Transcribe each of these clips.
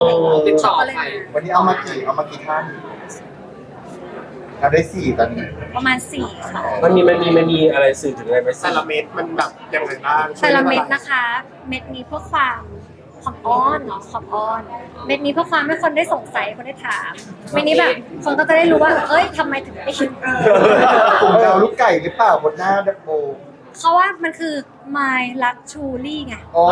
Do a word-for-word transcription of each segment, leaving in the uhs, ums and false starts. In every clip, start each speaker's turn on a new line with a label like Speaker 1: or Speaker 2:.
Speaker 1: ติดต่อไป
Speaker 2: วันนี้เอามากี่เอามากี่ท่านเราได้สี่ตอนนี้
Speaker 3: ประมาณสี่ค่ะ
Speaker 4: มันมีมันมีมันมีอะไรสื่อถึงอะไรไหม
Speaker 1: แต่ละเม็ดมันแบบยังไงบ้าง
Speaker 3: แต่ละเม็ดนะคะ เม็ดนี้เพื่อความความอ้อนเนาะความอ้อน เม็ดนี้เพื่อความให้คนได้สงสัยคนได้ถาม เม็ดนี้แบบคนก็จะได้รู้ว่าเอ้ยทำไมถึงได้คิด
Speaker 2: กลุ่มดาวลูกไก่หรือเปล่าบนหน้าดับโบ
Speaker 3: เขาว่ามันคือ my luxury ไง
Speaker 2: อ๋อ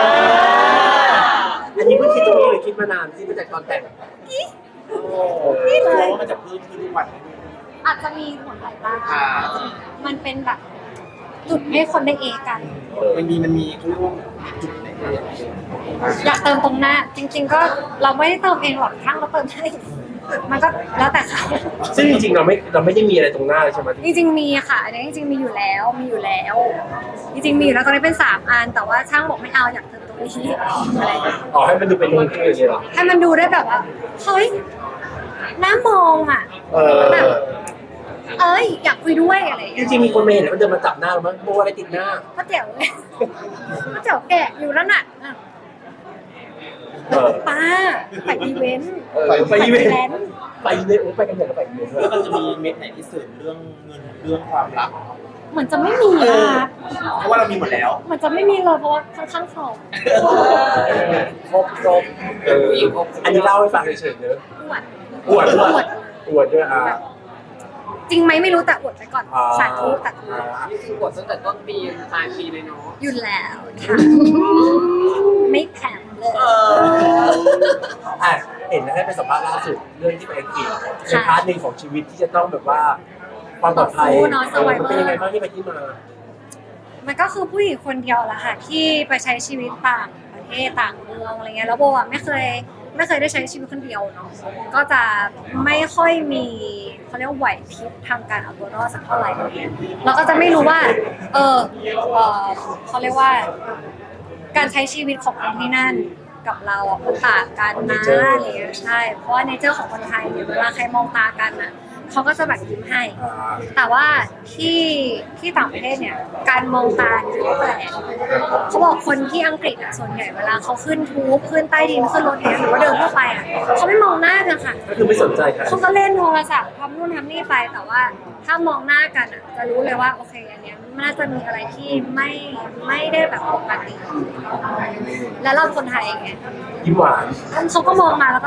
Speaker 4: อันนี้เพิ่งคิดตรงนี้หรือคิดมานานที่มาจากตอนแต่ง
Speaker 3: นี่เลย
Speaker 1: มันจะเพิ่มขึ้นทุกวัน
Speaker 3: อาจจะมีผลหลายบ้างมันเป็นแบบจุดให้คนได้เอกัน
Speaker 1: มันมีมันมีเขาเรียกว่าจุดไหน
Speaker 3: อยากเติมตรงหน้า จริง ๆ ก็เราไม่ได้เติมเองหรอกข้างเราเติมให้มันก็แล้วแต่เขา
Speaker 4: ซึ่งจริงๆเราไม่เราไม่ได้มีอะไรตรงหน้าเลยใช่ไหม
Speaker 3: จริงๆมีค่ะอันนี้จริงๆมีอยู่แล้วมีอยู่แล้ว จริงๆมีอยู่แล้วตอนนี้เป็นสามอันแต่ว่าช่างบอกไม่เอาอยากเติมตรงนี้อะไรอย่างเงี้ย
Speaker 4: อ๋อให้มันดูเป็นนุ่นขึ้นอย่างนี้เหรอ
Speaker 3: ให้มันดูได้แบบว่าเฮ้ยน่ามองอ่ะ
Speaker 4: เออ
Speaker 3: แบบเอ้ยอยากคุยด้วยอะไรอย่าง
Speaker 4: จ
Speaker 3: เงี้ย
Speaker 4: ริงๆมีคนมาเห็นแล้วมันเดินมาจับหน้าเรามั้งโบอะไรติดหน้า
Speaker 3: ป้าเจ๋วเลยป้าเจ๋วแกะอยู่แล้วน่ะอ่ะ
Speaker 4: เออ
Speaker 3: ป้าไปอีเวนต์
Speaker 4: เออไปอีเวนต์
Speaker 3: แลนด์
Speaker 4: ไปอีเวนต์โอ้ไปกันใหญ่แล้วไปอีเวนต์ด้วย
Speaker 1: แล้วมันจะมีเม็ดไหนที่เสริมเรื่องเงินเรื่องความรัก
Speaker 3: เหมือนจะไม่มีนะ
Speaker 1: เพราะว่าเรามีหมดแล้ว
Speaker 3: เหมือนจะไม่มีเลยเพราะว่าค่อนข้างสอบ
Speaker 4: ครบครบเอออันนี้เล่าให้ฟังเฉยๆเนอะ
Speaker 3: อวด
Speaker 4: อวดอวดอวดด้วยอ่ะ
Speaker 3: จริงไหมไม่รู้แต่อวดไปก่อน
Speaker 4: อ่า
Speaker 3: สาธุแต่
Speaker 5: นี่คือกดตั้งแต่ต้นปีปลายปีเลยเนาะ
Speaker 3: อยู่แล้วค่ะไม่แผ่นเลย
Speaker 4: อ่ะเห็นนะให้ไปสัมภาษณ์ล่าสุดเรื่องที่ไปอังกฤษเป็นพาร์ทหนึ่งของชีวิตที่จะต้องแบบว่าความปลอดภัย
Speaker 3: ต่อสู้เนาะ
Speaker 4: เออมัน
Speaker 3: survivor
Speaker 4: เป็นยังไงบ้างที่ไปที่มา
Speaker 3: มันก็คือผู้หญิงคนเดียวแหละค่ะที่ไปใช้ชีวิตต่างประเทศต่างเมืองอะไรเงี้ยแล้วโบอ่ะไม่เคยไม่เคยได้ใช้ชีวิตคนเดียวเนาะก็จะไม่ค่อยมีเขาเรียกว่าไหวพริบทางการเอาตัวรอดสักเท่าไหร่อะไรเงี้ยเราก็จะไม่รู้ว่า เออเออเขาเรียกว่า การใช้ชีวิตของคนที่นั่นกับเราอ่ะมันต่างกันนะอะไรเงี้ยใช่เพราะว่าเนเจอร์ของคนไทยเนี่ยเวลาใครมองตากันอ่ะเขาก็จะแบบยิ้มให้ แต่ว่าที่ที่ต่างประเทศเนี่ยการมองตาเนี่ยก็แปลกเขาบอกคนที่อังกฤษอ่ะส่วนใหญ่เวลาเขาขึ้นทูบขึ้นใต้ดินขึ้นรถเนี่ยหรือว่าเดินเข้าไปอ่ะเขาไม่มองหน้ากันค่ะ
Speaker 4: ก็คือไม่สนใจใคร
Speaker 3: เขาก็เล่นโทรศัพท์ทำนู่นทำนี่ไปแต่ว่าถ้ามองหน้ากันอ่ะจะรู้เลยว่าโอเคอันเนี้ยมันน่าจะมีอะไรที่ไม่ไม่ได้แบบปกติแล้วเราคนไทยไง
Speaker 4: ยิ้มหวาน
Speaker 3: เขาก็มองมาแล้วก็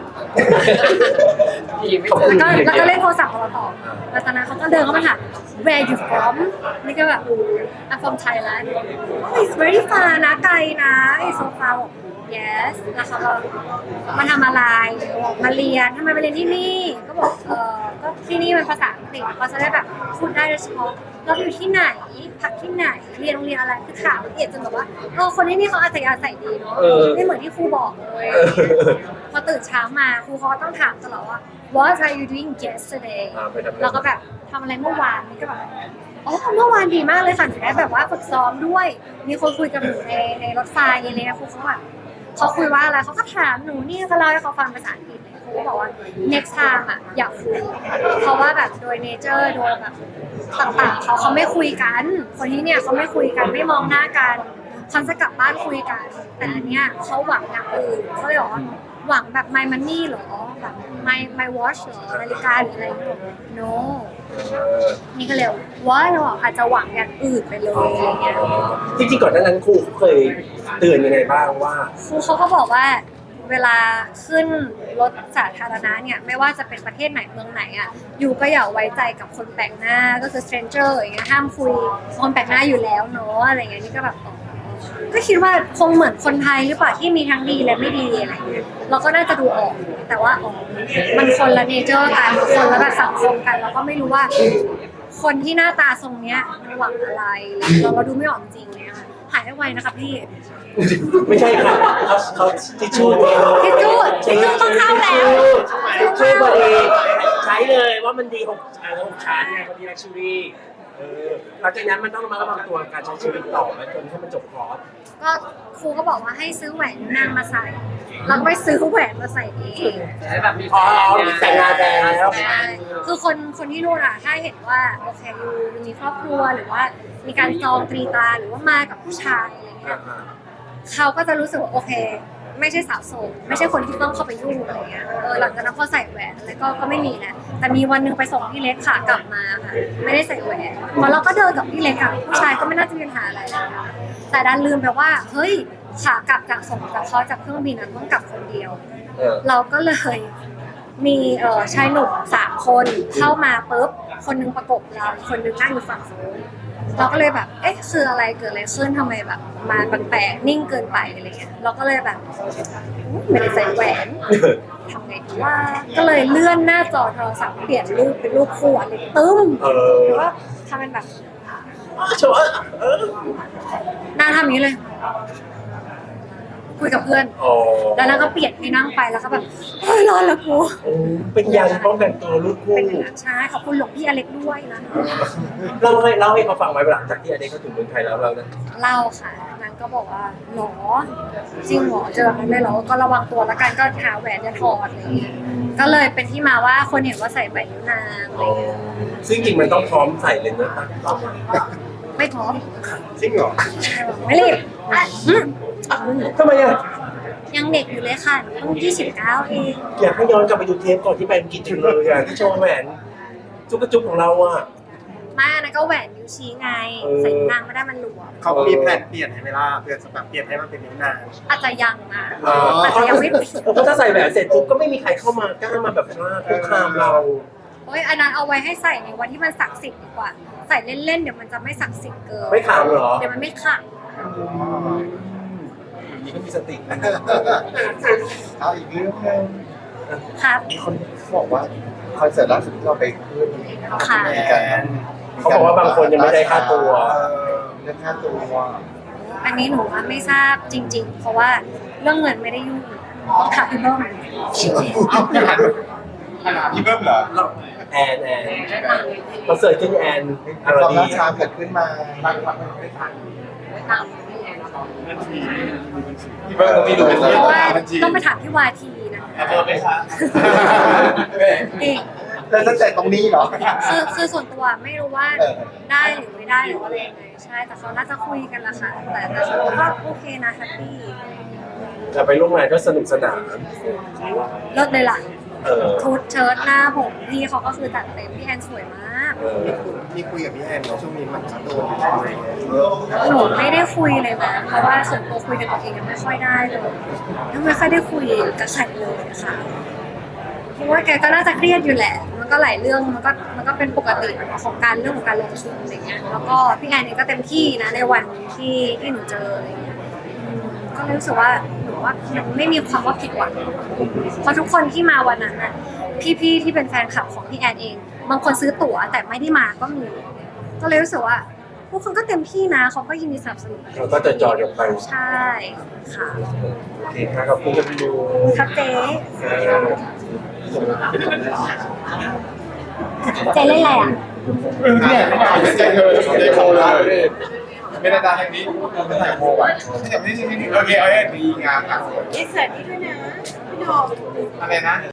Speaker 5: ปีไม่
Speaker 4: ขอบ
Speaker 5: เจอ
Speaker 4: คุณ
Speaker 3: แล้วก็แล้วก็เล่นโทรศัพท์ของเราต่อแล้วตอนนั้นเขาก็เดินเข้ามาถาม where you from นี่ก็แบบ I'm from Thailand oh it's very far นะไกลนะ it's so far yes แล้วเขาก็มาทำอะไรมาเรียนทำไมมาเรียนที่นี่ ก็บอกเออก็ที่นี่มันภาษาอังกฤษก็จะได้แบบพูดได้โดยเฉพาะเราอยู่ที่ไหนพักที่ไหนเรียนโรงเรียนอะไรคือถามละเอียดจนแบบว่าเออคนที่นี่เขาอัธยาศัยดีเนาะไม่เหมือนที่ครูบอกเลย พอตื่นเช้ามาครูเขาก็ต้องถามตลอดว่า What are you doing yesterday เราก็แบบทำอะไรเมื่อวานนี่ก็แบบอ๋อเมื่อวานดีมากเลยค่ะหนูได้แบบว่าฝึกซ้อมด้วย มีคนคุยกับหนูในในรถไฟอะไรเงี้ยครูเขาแบบเขาคุยว่าอะไรเขาก็ถามหนูนี่ก็เล่าให้เขาฟังภาษาอังกฤษเลยครูก็บอกว่า next time อ่ะอยากคุยเพราะว่าแบบโดย nature โดยแบบต่างๆเขาเขาไม่คุยกัน คนที่เนี่ยเขาไม่คุยกันไม่มองหน้ากันเขาจะกลับบ้านคุยกัน แต่อันเนี้ยเขาหวังอย่างอื่นเขาเลยบอกว่าหวังแบบ my money เหรอแบบ my my watch เหรอนาฬิกาหรืออะไรอย่างเงี้ย no นี่ก็เลยว่าเราอาจจะหวังอย่างอื่นไปเลยอะไรเงี้ย
Speaker 4: จริงๆก่อนหน้านั้นครูเคยเตือนยังไงบ้างว่า
Speaker 3: ครูเขาก็บอกว่าเวลาขึ้นรถสาธารณะเนี่ยไม่ว่าจะเป็นประเทศไหนเมืองไหนอ่ะอยู่ก็อย่าไว้ใจกับคนแปลกหน้าก็คือ stranger อย่างเงี้ยห้ามคุยคนแปลกหน้าอยู่แล้วเนาะอะไรเงี้ยนี่ก็แบบก็คิดว่าคงเหมือนคนไทยหรือเปล่าที่มีทั้งดีและไม่ดีอะไรเงี้ยเราก็น่าจะดูออกแต่ว่าอ๋อมันคนละเนเจอร์กันคนละแบบสังคมกันเราก็ไม่รู้ว่าคนที่หน้าตาทรงเนี้ยมันหวังอะไรเราเราดูไม่ออกจริงเลยค่ะหายไวนะคะพี่
Speaker 4: ไม่ใช่ค่ะเขาเขาทิชชู่
Speaker 3: ทิชชู่ทิชชู่ต้องเข้าแล้ว
Speaker 4: ทิชชู่พอดีใช้เลยว่ามันดีหกอ่าหกชั้นไงพอดีลักชัวรี่เออหลังจากนั้นมันต้องระมัดระวังตัวการใช้ชีวิตต่อไปจนให้มันจบคอร์ส
Speaker 3: ก็ครูก็บอกว่าให้ซื้อแหวนนางมาใส่แล้วก็ไปซื้อแหวนมาใส่เอง
Speaker 5: แบบมี
Speaker 4: อ๋อแต่งงานแล้ว
Speaker 3: ใช่คือคนคนที่นู่นอะถ้าเห็นว่าโอเคยูยูมีครอบครัวหรือว่ามีการจองตรีตราหรือว่ามากับผู้ชายอะไรเงี้ยเขาก็จะรู้สึกว่าโอเคไม่ใช่สาวโสดไม่ใช่คนที่ต้องเข้าไปยุ่งอะไรเงี้ยเออหลังจากนั้นพอใส่แหวนแล้วก็ก็ไม่มีแล้วแต่มีวันหนึงไปส่งพี่เล็กค่ะกลับมาค่ะไม่ได้ใส่แหวนพอเราก็เดินกับพี่เล็กอะผู้ชายก็ไม่น่าจะมีปัญหาอะไรนะคะแต่ดันลืมไปว่าเฮ้ยขากลับจากส่งจากเขาจากเครื่องบินนั้นต้องกลับคนเดียว
Speaker 4: เออ
Speaker 3: เราก็เลยมีเอ่อชายหนุ่มสามคนเข้ามาปุ๊บคนหนึงประกบเราอีกคนหนึงนั่งอยู่ฝั่งโน้นเราก็เลยแบบ เอ๊ะคืออะไรเกิดอะไรขึ้นทำไมแบบ มาแปลกๆนิ่งเกินไปอะไรเงี้ยเราก็เลยแบบอุ๊ยไม่ได้ใส่แหวนทำไงดีว่าก็เลยเลื่อนหน้าจอโทรศัพท์เปลี่ยนรูปเป็นรูปคู่อันเล็กตึ้ม
Speaker 4: เออ
Speaker 3: หรือว่าทำเป็นแบบ
Speaker 4: โชว์เออ
Speaker 3: หน้าทำอย่างนี้เลย คุยกับเพื่อน
Speaker 4: อ๋อ
Speaker 3: แล้วเราก็เปลี่ยนให้นั่งไปแล้วก็แบบเฮ้ยร้อนแล้วกู
Speaker 4: โอ้เป็นยันป้องกันตัวลูกคู่
Speaker 3: เป็นอย่างนั้นใช่ขอบคุณหลวงพี่อเล็กด้วยนะ
Speaker 4: เล่าให้เล่าให้เขาฟังไหมหลังจากที่อเด็กเขาถึงเมืองไทยแล้วเราเนี่ย
Speaker 3: เล่าค่ะนางก็บอกว่าหรอจริงหรอเจอมันได้หรอก็ระวังตัวแล้วกันก็หาแหวนจะถอดอะไรเงี้ยก็เลยเป็นที่มาว่าคนเห็นว่าใส่ใบนิ้วนางอะไรเงี้ย
Speaker 4: ซึ่งจริงมันต้องพร้อมใส่เลยนะ
Speaker 3: ไม่พร้อม
Speaker 2: จริงเหรอ
Speaker 3: ไม่รีบอ่ะอืม
Speaker 4: ทำไมอ่ะ
Speaker 3: ยังเด็กอยู่เลยค่ะเพิ่งยี่สิบเก้าเอง
Speaker 4: อยากให้ย้อนกลับไปดูเทปก่อนที่ไปอังกฤษถึงเลยอ่ะที่โชว์แหวนจุกกระจุกของเราอ่ะ
Speaker 3: มานะก็แหวนนิ้วชี้ไง
Speaker 4: เออ
Speaker 3: ใส่นิ้วนางไม่ได้มันหลวม
Speaker 1: เขามีแผนเปลี่ยนให้ไหมล่ะเปลี่ยนแบบเปลี่ยนให้มันเป็นนิ้วนาง
Speaker 3: อาจจะยังนะ
Speaker 1: อ๋ออ
Speaker 3: อาจจะยังไม่เปลี่ยน
Speaker 4: เพราะถ้าใส่แหวนเสร็จปุ๊บก็ไม่มีใครเข้ามากล้ามาแบบว่าคุกคามเรา
Speaker 3: โอ้ยอันนั้นเอาไว้ให้ใส่ในวันที่มันศักดิ์สิทธิ์ดีกว่า ใส่เล่นๆเดี๋ยวมันจะไม่ศักดิ์สิทธิ์เกิน
Speaker 4: ไม่ขามเหรอ
Speaker 3: เดี๋ยวมันไม่ขลัง
Speaker 4: นี่ก็มีสตินะ
Speaker 2: เอาอีกเรื่องหนึง
Speaker 3: ครับ
Speaker 2: มีคนบอกว่าคอนเสิร์ตล่าสุดที่เราไปขึ้น
Speaker 3: ค่ะ
Speaker 2: มีการ
Speaker 4: เขาบอกว่าบางคนยังไม่ได้ค่าตัว
Speaker 2: เออเรื่องค่าตัว
Speaker 3: อันนี้หนูว่าไม่ทราบจริง ๆ เพราะว่าเรื่องเงินไม่ได้ยุ่งต้องถามพี่เบิ้ม
Speaker 2: พี่เบิ้มเหรอ
Speaker 4: แอนแอนคอนเสิร์ตขึ้นแอนอา
Speaker 2: ค
Speaker 4: ร
Speaker 2: วาม
Speaker 4: ดี
Speaker 2: ล่าช้าเกิดขึ้นมา
Speaker 5: ได้ตังค์พี่แอนแล้ว
Speaker 2: พี่เบิ้มต้องมีดู
Speaker 3: เพราะว่าต้องไปถามพี่วาทีนะ
Speaker 1: เบอร์ไหมคะ
Speaker 3: เอง
Speaker 2: แล้วตั้งแต่ตรงนี้เหรอ
Speaker 3: คือคือส่วนตัวไม่รู้ว่า
Speaker 2: เออ
Speaker 3: ได้หรือไม่ได้หรืออะไรยังไงใช่แต่เขาน่าจะคุยกันละค่ะแต่แต่ส่วนตัวก็โอเคนะแฮปปี้
Speaker 4: จะไปร่วมงานก็สนุกสนาน
Speaker 3: เลิศเลยล่ะ
Speaker 4: เออ
Speaker 3: ชุดเชิ้ตหน้าผมพี่เขาก็คือจัดเต็มพี่แอนสวยมาก
Speaker 4: เออ
Speaker 1: มีคุยกับพี่แอนว่าช่วงนี้มันจะโดนอะไร
Speaker 3: หนูไม่ได้คุยเลยนะเพราะว่าส่วนตัวคุยกันตัวเองยังไม่ค่อยได้เลยยังไม่ค่อยได้คุยกับใครเลยค่ะเพราะว่าแกก็น่าจะเครียดอยู่แหละ มันก็หลายเรื่องมันก็มันก็เป็นปกติของการเรื่องของการลงทุนอะไรเงี้ยแล้วก็พี่แอนเองก็เต็มที่นะในวันที่ที่หนูเจออะไรเงี้ยอืมก็เลยรู้สึกว่าหนูว่ามันไม่มีความว่าผิดหวังเพราะทุกคนที่มาวันนั้นน่ะพี่ๆที่เป็นแฟนคลับของพี่แอนเองบางคนซื้อตั๋วแต่ไม่ได้มาก็มีก็เลยรู้สึกว่าพวกคนก็เต็มที่นะเขาก็ยินดีสนับสนุน
Speaker 4: เราก็จะจอดลงไป
Speaker 3: ใช่ค่ะ
Speaker 4: โอเคครับขอบคุณครับพี่ยู
Speaker 3: ครับเจ๊เจ๊เล่นอะไรอ่ะ
Speaker 2: เนี่ยไม่ใช่เธอไม่ได้โคเลยไม่ได้ตาทางนี้ไม่ได้โคไว้ไม่ใช่ไม่ใช่โอเคเอาให้ดีงามอ่ะ
Speaker 6: อินเสิร์ตนี่ด้วยนะ พี่ดอม
Speaker 2: อะไรนะ